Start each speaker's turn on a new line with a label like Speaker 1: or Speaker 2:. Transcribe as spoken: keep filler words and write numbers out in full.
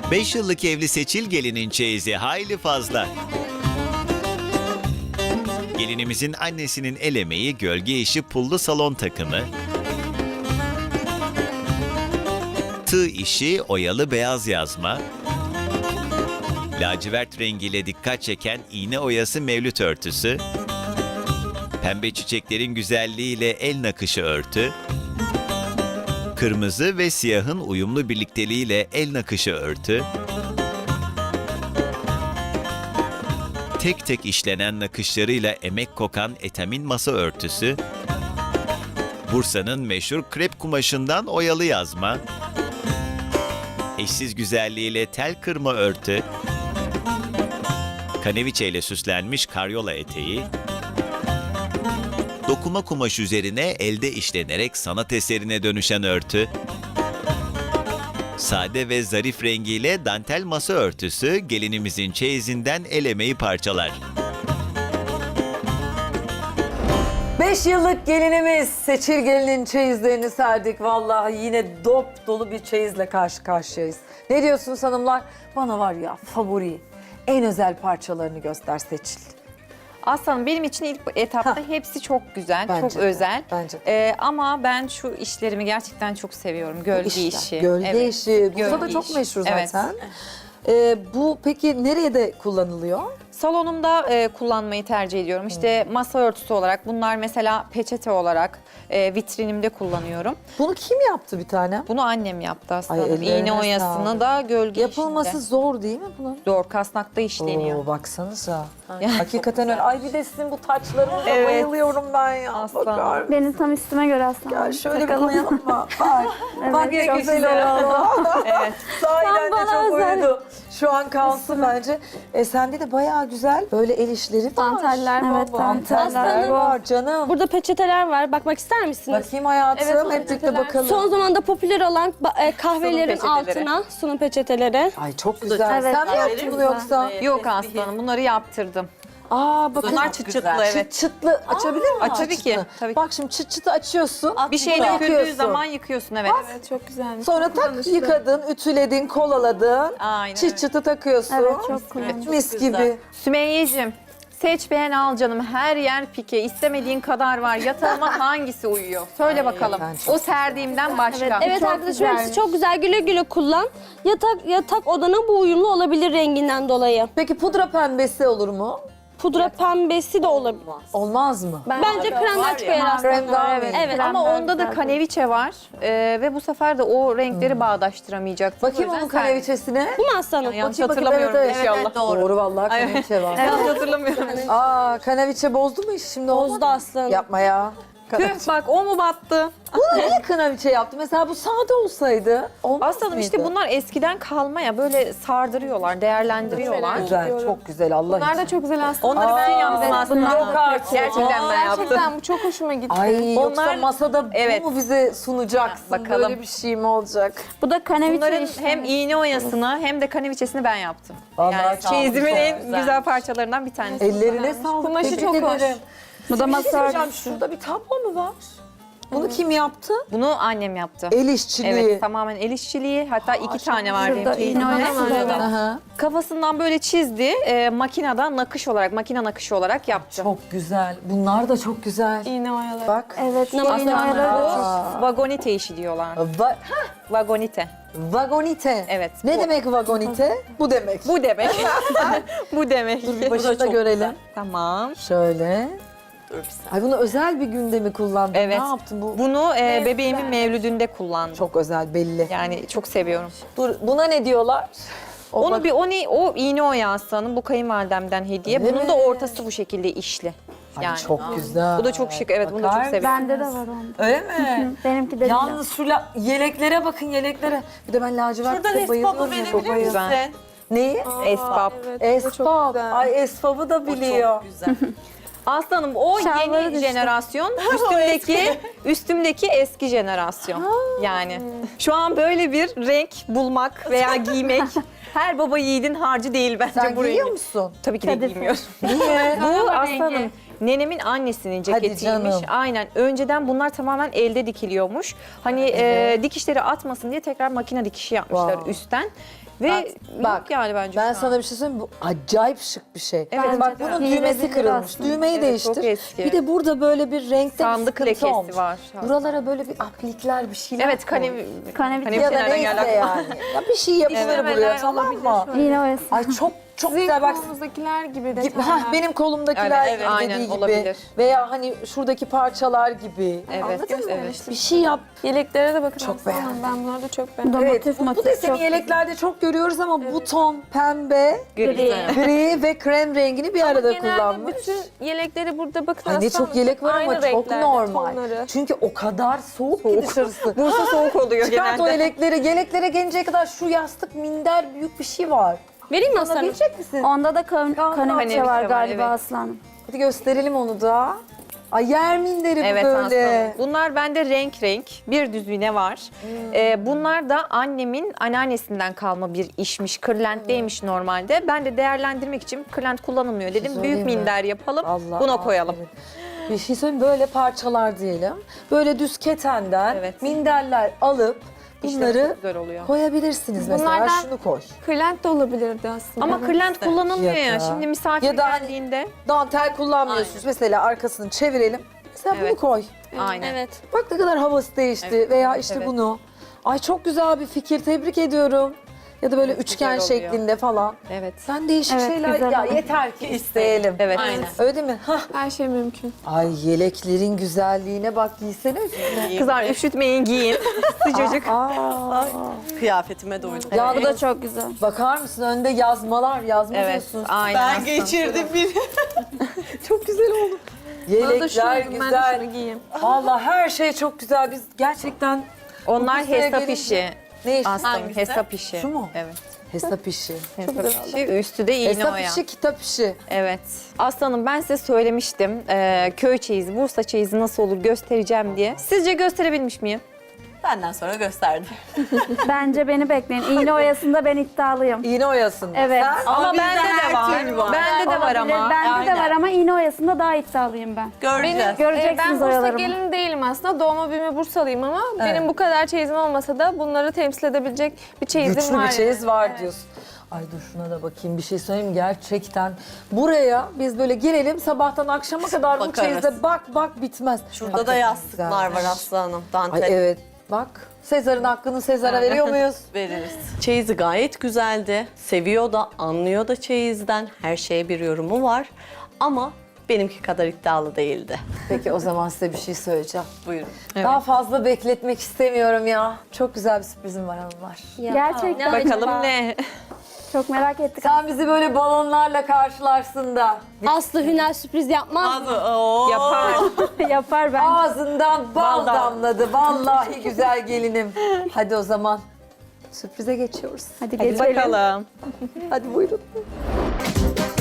Speaker 1: beş yıllık evli Seçil gelinin çeyizi hayli fazla. Gelinimizin annesinin el emeği gölge işi pullu salon takımı, tığ işi oyalı beyaz yazma, lacivert rengiyle dikkat çeken iğne oyası mevlüt örtüsü, pembe çiçeklerin güzelliğiyle el nakışı örtü, kırmızı ve siyahın uyumlu birlikteliğiyle el nakışı örtü, tek tek işlenen nakışlarıyla emek kokan etamin masa örtüsü, Bursa'nın meşhur krep kumaşından oyalı yazma, eşsiz güzelliğiyle tel kırma örtü, kaneviçe ile süslenmiş karyola eteği, dokuma kumaş üzerine elde işlenerek sanat eserine dönüşen örtü, sade ve zarif rengiyle dantel masa örtüsü gelinimizin çeyizinden el emeği parçalar.
Speaker 2: Beş yıllık gelinimiz Seçil gelinin çeyizlerini serdik. Vallahi yine dop dolu bir çeyizle karşı karşıyayız. Ne diyorsunuz hanımlar? Bana var ya favori, en özel parçalarını göster Seçil.
Speaker 3: Aslanım benim için ilk etapta
Speaker 2: Ha.
Speaker 3: hepsi çok güzel,
Speaker 2: Bence
Speaker 3: çok
Speaker 2: de,
Speaker 3: özel.
Speaker 2: bence de.
Speaker 3: Ee, ama ben şu işlerimi gerçekten çok seviyorum. Gölge
Speaker 2: İşler,
Speaker 3: işi.
Speaker 2: Gölge
Speaker 3: Evet.
Speaker 2: işi. Burada da
Speaker 3: Gölge
Speaker 2: çok
Speaker 3: iş.
Speaker 2: meşhur
Speaker 3: Evet.
Speaker 2: zaten. Ee, bu peki nereye de kullanılıyor?
Speaker 3: Salonumda e, kullanmayı tercih ediyorum. İşte masa örtüsü olarak, bunlar mesela peçete olarak e, vitrinimde kullanıyorum.
Speaker 2: Bunu kim yaptı bir tane?
Speaker 3: Bunu annem yaptı aslında.
Speaker 2: Ay, ellerine
Speaker 3: İğne oyasını
Speaker 2: sağlık.
Speaker 3: da gölge
Speaker 2: Yapılması
Speaker 3: işinde.
Speaker 2: zor değil mi bunun?
Speaker 3: Zor, kasnakta işleniyor.
Speaker 2: Oo, baksanıza. Hakikaten öyle. Ay bir de sizin bu taçlarınıza
Speaker 3: Evet.
Speaker 2: bayılıyorum ben ya.
Speaker 3: Aslan.
Speaker 2: Bakar mısın?
Speaker 4: Benim tam üstüme göre aslında.
Speaker 2: Gel şöyle bir
Speaker 4: Takalım.
Speaker 2: koyalım mı? Bak.
Speaker 4: Evet,
Speaker 2: Bak ne
Speaker 4: çok
Speaker 2: güzel oldu.
Speaker 3: Evet.
Speaker 2: Sahiden de
Speaker 4: Tam bana
Speaker 2: çok
Speaker 4: özel.
Speaker 2: uydu. Şu an kalsın bence. E sende de bayağı güzel böyle el işleri var.
Speaker 4: Danteller, evet, danteller
Speaker 2: Danteller
Speaker 4: var.
Speaker 2: var canım.
Speaker 5: Burada peçeteler var. Bakmak ister misiniz?
Speaker 2: Bakayım hayatım.
Speaker 5: Evet,
Speaker 2: Hep birlikte
Speaker 5: peçeteler.
Speaker 2: bakalım.
Speaker 5: Son zamanda popüler olan ba- e, kahvelerin
Speaker 3: Sunum peçeteleri.
Speaker 5: altına sunum peçeteleri.
Speaker 2: Ay çok güzel.
Speaker 4: Evet,
Speaker 2: Sen mi
Speaker 4: evet,
Speaker 2: yaptın bunu
Speaker 4: güzel.
Speaker 2: yoksa?
Speaker 3: Yok aslanım, bunları yaptırdım.
Speaker 2: Aa bakın.
Speaker 3: Bunlar çıt çıtlı,
Speaker 2: Çıt
Speaker 3: evet.
Speaker 2: çıtlı açabilir miyim?
Speaker 3: Aç, tabii
Speaker 2: çıt
Speaker 3: ki,
Speaker 2: çıtlı?
Speaker 3: tabii ki.
Speaker 2: Bak şimdi çıt çıtı açıyorsun.
Speaker 3: Bir şey
Speaker 2: bunu
Speaker 3: döküldüğü
Speaker 2: yakıyorsun.
Speaker 3: zaman yıkıyorsun, evet.
Speaker 4: Çok güzelmiş.
Speaker 2: Sonra tak yıkadın, ütüledin, kolaladın.
Speaker 3: Aynen
Speaker 2: Çıt
Speaker 3: öyle.
Speaker 2: çıtı takıyorsun.
Speaker 4: Evet, çok kullanışlı.
Speaker 2: Mis gibi.
Speaker 3: Sümeyye'cim, seç beğen al canım. Her yer pike. İstemediğin kadar var. Yatağıma hangisi uyuyor? Söyle bakalım.
Speaker 2: ben çok
Speaker 3: O serdiğimden başka.
Speaker 5: Evet
Speaker 4: Çok
Speaker 5: arkadaşım hepsi
Speaker 4: güzelmiş.
Speaker 5: çok güzel. Güle güle kullan. Yatak yatak odana bu uyumlu olabilir renginden dolayı.
Speaker 2: Peki pudra pembesi olur mu?
Speaker 5: Pudra pembesi de olabilir.
Speaker 2: Olmaz mı?
Speaker 5: Bence kremden çıkıyor aslında.
Speaker 2: Krem daha
Speaker 4: Evet.
Speaker 2: iyi.
Speaker 5: Evet.
Speaker 4: Krem
Speaker 3: Ama
Speaker 4: daha
Speaker 3: onda da
Speaker 4: güzel.
Speaker 3: kaneviçe var. Ee, ve bu sefer de o renkleri bağdaştıramayacak.
Speaker 2: Bakayım onun kaneviçesine.
Speaker 5: Bu mu aslanım?
Speaker 3: Yanlış
Speaker 2: Bakayım, bakayım,
Speaker 3: hatırlamıyorum
Speaker 2: evet, evet.
Speaker 3: inşallah.
Speaker 2: Doğru. Doğru vallahi kaneviçe var.
Speaker 3: Yanlış hatırlamıyorum.
Speaker 2: Aa kaneviçe bozdu mu iş şimdi? olmadı
Speaker 5: Bozdu
Speaker 2: mı?
Speaker 5: aslanım.
Speaker 2: Yapma ya.
Speaker 3: Tüh, bak o mu battı?
Speaker 2: Bunu niye kaneviçe yaptı? Mesela bu sade olsaydı olmaz
Speaker 3: Aslanım
Speaker 2: mıydı?
Speaker 3: işte bunlar eskiden kalma ya, böyle sardırıyorlar, değerlendiriyorlar.
Speaker 2: Güzel, çok güzel Allah
Speaker 4: Bunlar
Speaker 2: için.
Speaker 4: da çok güzel aslında.
Speaker 3: Onları ben
Speaker 2: Aa,
Speaker 3: yaptım
Speaker 2: evet,
Speaker 3: aslında.
Speaker 4: bunlar
Speaker 3: Yok artık. Gerçekten ben yaptım.
Speaker 4: Gerçekten bu çok hoşuma gitti.
Speaker 2: Ay yoksa
Speaker 3: Onlar-
Speaker 2: masada
Speaker 3: Evet.
Speaker 2: bu mu bize sunacaksın?
Speaker 3: Bakalım.
Speaker 2: Böyle bir şey mi olacak?
Speaker 4: Bu da kaneviçe
Speaker 3: Bunların
Speaker 4: işi.
Speaker 3: hem iğne oyasını hem de kaneviçesini ben yaptım.
Speaker 2: Vallahi
Speaker 3: Yani
Speaker 2: sağ ol,
Speaker 3: çeyizimin
Speaker 2: çok
Speaker 3: en
Speaker 2: güzel.
Speaker 3: güzel parçalarından bir tanesi.
Speaker 2: Ellerine sağlık.
Speaker 4: Kumaşı
Speaker 2: Tebrik
Speaker 4: çok hoş.
Speaker 2: ederim.
Speaker 4: Bu da
Speaker 2: Bir şey
Speaker 4: masa
Speaker 2: söyleyeceğim,
Speaker 4: örtüsü.
Speaker 2: şurada bir tablo mu var? Bunu kim yaptı?
Speaker 3: Bunu annem yaptı.
Speaker 2: El işçiliği.
Speaker 3: Evet, tamamen el işçiliği. Hatta iki tane var benim
Speaker 4: Şurada
Speaker 3: çeyizimde.
Speaker 4: iğne oyası var.
Speaker 2: Aha.
Speaker 3: Kafasından böyle çizdi. E, makineden nakış olarak, makine nakışı olarak yaptı.
Speaker 2: Çok güzel. Bunlar da çok güzel.
Speaker 4: İğne oyaları.
Speaker 2: Bak.
Speaker 4: Evet,
Speaker 5: Namaz
Speaker 4: iğne
Speaker 5: kılıyor.
Speaker 4: oyaları.
Speaker 3: Vagonite işi diyorlar.
Speaker 2: Va-
Speaker 3: Vagonite.
Speaker 2: vagonite.
Speaker 3: Evet,
Speaker 2: Ne
Speaker 3: bu.
Speaker 2: demek vagonite? Bu demek.
Speaker 3: Bu demek. Bu demek.
Speaker 2: Dur bir başında görelim.
Speaker 3: Tamam.
Speaker 2: Şöyle. Ay bunu özel bir günde mi kullandın?
Speaker 3: Evet.
Speaker 2: Ne yaptın bu?
Speaker 3: Bunu e, bebeğimin mevlüdünde kullandım.
Speaker 2: Çok özel belli.
Speaker 3: Yani çok seviyorum.
Speaker 2: Dur buna ne diyorlar? O
Speaker 3: Onu
Speaker 2: bak-
Speaker 3: bir o, ne, o iğne oya aslanım, bu kayınvalidemden hediye.
Speaker 2: Öyle
Speaker 3: Bunun
Speaker 2: mi?
Speaker 3: da ortası bu şekilde işli.
Speaker 2: Ay,
Speaker 3: Yani
Speaker 2: çok güzel.
Speaker 3: bu da çok şık. Evet, bunu da
Speaker 2: Bakar
Speaker 3: çok seviyorum.
Speaker 4: Bende de var onda.
Speaker 2: Öyle mi?
Speaker 4: Benimki de
Speaker 2: Yalnız şu la- yeleklere bakın yeleklere. Bir de ben lacivert
Speaker 6: Şurada
Speaker 2: bayılıyorum.
Speaker 6: Nespap'ı
Speaker 2: Çok
Speaker 6: verebilir
Speaker 2: bayılıyorum.
Speaker 6: misin?
Speaker 2: Neyi?
Speaker 3: Esbab.
Speaker 2: Esbab. Ay esbabı da biliyor.
Speaker 6: Güzel.
Speaker 3: Aslanım o
Speaker 4: Şalvarı
Speaker 3: yeni
Speaker 4: düştü.
Speaker 3: jenerasyon, üstümdeki üstümdeki eski jenerasyon. Yani şu an böyle bir renk bulmak veya giymek her baba yiğidin harcı değil bence
Speaker 2: Sen
Speaker 3: bu
Speaker 2: giyiyor
Speaker 3: rengi.
Speaker 2: musun?
Speaker 3: Tabii ki de
Speaker 4: Kadife.
Speaker 3: giymiyorum.
Speaker 2: Niye?
Speaker 3: Bu aslanım Nenemin annesinin
Speaker 2: Hadi
Speaker 3: ceketiymiş.
Speaker 2: canım.
Speaker 3: Aynen. Önceden bunlar tamamen elde dikiliyormuş. Hani e, dikişleri atmasın diye tekrar makine dikişi yapmışlar
Speaker 2: Wow.
Speaker 3: üstten. Ve
Speaker 2: Bak,
Speaker 3: yok
Speaker 2: bak,
Speaker 3: yani bence
Speaker 2: Ben
Speaker 3: şu an.
Speaker 2: sana bir şey söyleyeyim mi? Bu acayip şık bir şey.
Speaker 3: Evet,
Speaker 2: Bak
Speaker 3: bence de.
Speaker 2: bunun
Speaker 5: İyi
Speaker 2: düğmesi
Speaker 5: vezilir
Speaker 2: kırılmış.
Speaker 5: aslında.
Speaker 2: Düğmeyi
Speaker 3: Evet,
Speaker 2: değiştir.
Speaker 3: çok eski.
Speaker 2: Bir de burada böyle bir renkte
Speaker 3: Sandık
Speaker 2: bir sıkıntı
Speaker 3: lekesi
Speaker 2: olmuş.
Speaker 3: var.
Speaker 2: Buralara böyle bir aplikler bir şeyler
Speaker 3: Evet,
Speaker 2: koy.
Speaker 3: kanevi,
Speaker 5: Kanevi-
Speaker 3: kanevi
Speaker 2: Ya da
Speaker 3: nereden
Speaker 2: neyse
Speaker 3: geldi
Speaker 2: yani. Ya bir şey yapılır
Speaker 3: Evet.
Speaker 2: buraya, tamam mı?
Speaker 5: İğne oyası.
Speaker 2: Ay çok çok
Speaker 6: Sizin
Speaker 2: güzel bak.
Speaker 6: kolumuzdakiler gibi
Speaker 2: Gibi,
Speaker 6: detaylar.
Speaker 2: hah, benim kolumdakiler
Speaker 3: Evet, evet.
Speaker 2: gibi
Speaker 3: Aynen,
Speaker 2: dediği gibi.
Speaker 3: olabilir.
Speaker 2: Veya hani şuradaki parçalar gibi.
Speaker 3: Evet,
Speaker 2: Anladın mı?
Speaker 3: evet.
Speaker 2: Bir şey yap.
Speaker 6: Yeleklere de bakın.
Speaker 2: Çok
Speaker 6: Aslı Hanım.
Speaker 2: beğendim.
Speaker 6: Ben bunları da çok beğendim.
Speaker 5: Domates,
Speaker 2: Evet, bu, bu
Speaker 5: motif
Speaker 2: deseni
Speaker 5: çok
Speaker 2: yeleklerde çok görüyoruz ama bu ton pembe,
Speaker 3: Gri.
Speaker 2: gri ve krem rengini bir arada
Speaker 6: Genelde
Speaker 2: kullanmış.
Speaker 6: bütün yelekleri burada bakın.
Speaker 2: Ay ne
Speaker 6: Aslı
Speaker 2: çok
Speaker 6: Hanım,
Speaker 2: yelek var ama
Speaker 6: aynı
Speaker 2: çok
Speaker 6: renklerde
Speaker 2: normal.
Speaker 6: tonları.
Speaker 2: Çünkü o kadar soğuk, ki dışarısı.
Speaker 3: Bursa soğuk oluyor
Speaker 2: Çıkart o
Speaker 3: genelde.
Speaker 2: yelekleri. Yeleklere gelinceye kadar şu yastık, minder büyük bir şey var.
Speaker 5: Vereyim mi Aslanım?
Speaker 2: Alabilecek misin?
Speaker 5: Onda da kan
Speaker 2: Kan-
Speaker 5: kaneviçe
Speaker 3: kaneviçe
Speaker 5: var
Speaker 3: var,
Speaker 5: galiba
Speaker 3: evet.
Speaker 5: Aslanım.
Speaker 2: Hadi gösterelim onu da. Ay yer minderi
Speaker 3: Evet
Speaker 2: bu böyle.
Speaker 3: aslında. Bunlar bende renk renk bir düzine var. Ee, bunlar da annemin anneannesinden kalma bir işmiş. Kırlentliymiş normalde. Ben de değerlendirmek için kırlent kullanılmıyor dedim.
Speaker 2: söyleyeyim
Speaker 3: Büyük
Speaker 2: mi?
Speaker 3: minder yapalım.
Speaker 2: Allah
Speaker 3: buna koyalım.
Speaker 2: aferin. Bir şey söyleyeyim, böyle parçalar diyelim. Böyle düz ketenden
Speaker 3: Evet.
Speaker 2: minderler alıp
Speaker 3: İşte
Speaker 2: bunları
Speaker 3: çok güzel oluyor.
Speaker 2: koyabilirsiniz mesela.
Speaker 6: Bunlardan-
Speaker 2: Şunu koy.
Speaker 6: Kırlent de olabilirdi aslında.
Speaker 3: Ama kırlent kullanılmıyor
Speaker 2: Ya
Speaker 3: ya.
Speaker 2: da-
Speaker 3: Şimdi misafir
Speaker 2: Ya da hani-
Speaker 3: geldiğinde.
Speaker 2: Dantel kullanmıyorsunuz. Mesela arkasını çevirelim. Mesela bunu
Speaker 3: Evet.
Speaker 2: koy.
Speaker 3: Aynen.
Speaker 5: Evet.
Speaker 2: Bak ne kadar havası değişti.
Speaker 3: Evet,
Speaker 2: Veya işte
Speaker 3: evet.
Speaker 2: bunu. Ay çok güzel bir fikir. Tebrik ediyorum. Ya da böyle üçgen
Speaker 3: oluyor.
Speaker 2: şeklinde falan.
Speaker 3: Evet.
Speaker 2: Ben değişik
Speaker 5: Evet,
Speaker 2: şeyler
Speaker 5: güzel
Speaker 2: ya
Speaker 5: oldu.
Speaker 2: yeter ki isteyelim.
Speaker 3: Evet.
Speaker 6: Aynen.
Speaker 2: Öyle değil mi? Hah.
Speaker 6: Her şey mümkün.
Speaker 2: Ay yeleklerin güzelliğine bak, giysene üstüne.
Speaker 3: Kızlar üşütmeyin giyin. Sıcacık.
Speaker 2: Aa,
Speaker 7: Kıyafetime doydum.
Speaker 2: ya
Speaker 5: Bu da çok güzel.
Speaker 2: bakar mısın önde yazmalar, yazma
Speaker 3: Evet.
Speaker 2: diyorsun.
Speaker 3: Aynen.
Speaker 7: Ben
Speaker 3: aslında.
Speaker 7: geçirdim bir.
Speaker 2: Çok güzel oldu.
Speaker 6: Bana da
Speaker 2: Yelekler
Speaker 6: şunu, ben de
Speaker 2: güzel.
Speaker 6: şunu giyeyim.
Speaker 2: Vallahi her şey çok güzel. Biz gerçekten
Speaker 3: Onlar
Speaker 2: Kuşlara
Speaker 3: hesap
Speaker 2: gelince-
Speaker 3: işi.
Speaker 2: ne iş?
Speaker 3: Aslında
Speaker 7: Hangisi?
Speaker 3: hesap işi.
Speaker 2: Şu mu?
Speaker 3: Evet.
Speaker 2: Hesap işi.
Speaker 3: Hesap işi. Üstü de iğne
Speaker 2: Hesap
Speaker 3: oya.
Speaker 2: işi, kitap işi.
Speaker 3: Evet. Aslanım ben size söylemiştim. Ee, köy çeyizi, Bursa çeyizi nasıl olur göstereceğim diye. Sizce gösterebilmiş miyim?
Speaker 7: Benden sonra gösterdi.
Speaker 5: Bence beni bekleyin. İğne oyasında ben iddialıyım.
Speaker 2: İğne oyasında.
Speaker 5: Evet.
Speaker 2: Sen-
Speaker 3: Ama
Speaker 7: bizde
Speaker 3: bende de
Speaker 7: her türlü
Speaker 3: var.
Speaker 7: var.
Speaker 3: Bende de var
Speaker 5: Olabilir.
Speaker 3: ama.
Speaker 5: Bende de
Speaker 7: Aynen.
Speaker 5: var ama iğne oyasında daha iddialıyım ben.
Speaker 7: Göreceğiz.
Speaker 6: Ee, ben
Speaker 5: Göreceksiniz
Speaker 6: Bursa
Speaker 5: oyalarımı.
Speaker 6: gelini değilim aslında. Doğma büyüme Bursalıyım ama benim bu kadar çeyizim olmasa da bunları temsil edebilecek bir çeyizim
Speaker 2: Güçlü
Speaker 6: var.
Speaker 2: bir çeyiz
Speaker 6: yani.
Speaker 2: var
Speaker 6: Evet.
Speaker 2: diyorsun. Ay dur şuna da bakayım, bir şey söyleyeyim mi? Gerçekten. Buraya biz böyle girelim sabahtan akşama kadar bu
Speaker 7: Bakarız.
Speaker 2: çeyizde bak bak bitmez.
Speaker 7: Şurada da
Speaker 2: Hakikaten
Speaker 7: yastıklar
Speaker 2: güzelmiş.
Speaker 7: var Aslı Hanım. Dantel
Speaker 2: Ay evet bak. Sezar'ın hakkını Sezar'a veriyor muyuz?
Speaker 7: veririz. Çeyizi gayet güzeldi. Seviyor da, anlıyor da çeyizden. Her şeye bir yorumu var. Ama benimki kadar iddialı değildi.
Speaker 2: Peki o zaman size bir şey söyleyeceğim.
Speaker 7: Buyurun.
Speaker 2: Daha fazla bekletmek istemiyorum ya. Çok güzel bir sürprizim var hanımlar.
Speaker 5: Gerçekten.
Speaker 3: Bakalım ne?
Speaker 5: Çok merak ettik.
Speaker 2: Sen bizi böyle balonlarla karşılarsın da
Speaker 5: Aslı Hüner sürpriz yapmaz.
Speaker 7: Oo.
Speaker 3: Yapar.
Speaker 5: Yapar ben.
Speaker 2: ağzından bal
Speaker 3: Bal
Speaker 2: damladı. Vallahi güzel gelinim. Hadi o zaman sürprize geçiyoruz.
Speaker 5: Hadi
Speaker 3: Hadi
Speaker 5: geçelim.
Speaker 3: bakalım.
Speaker 2: Hadi buyurun.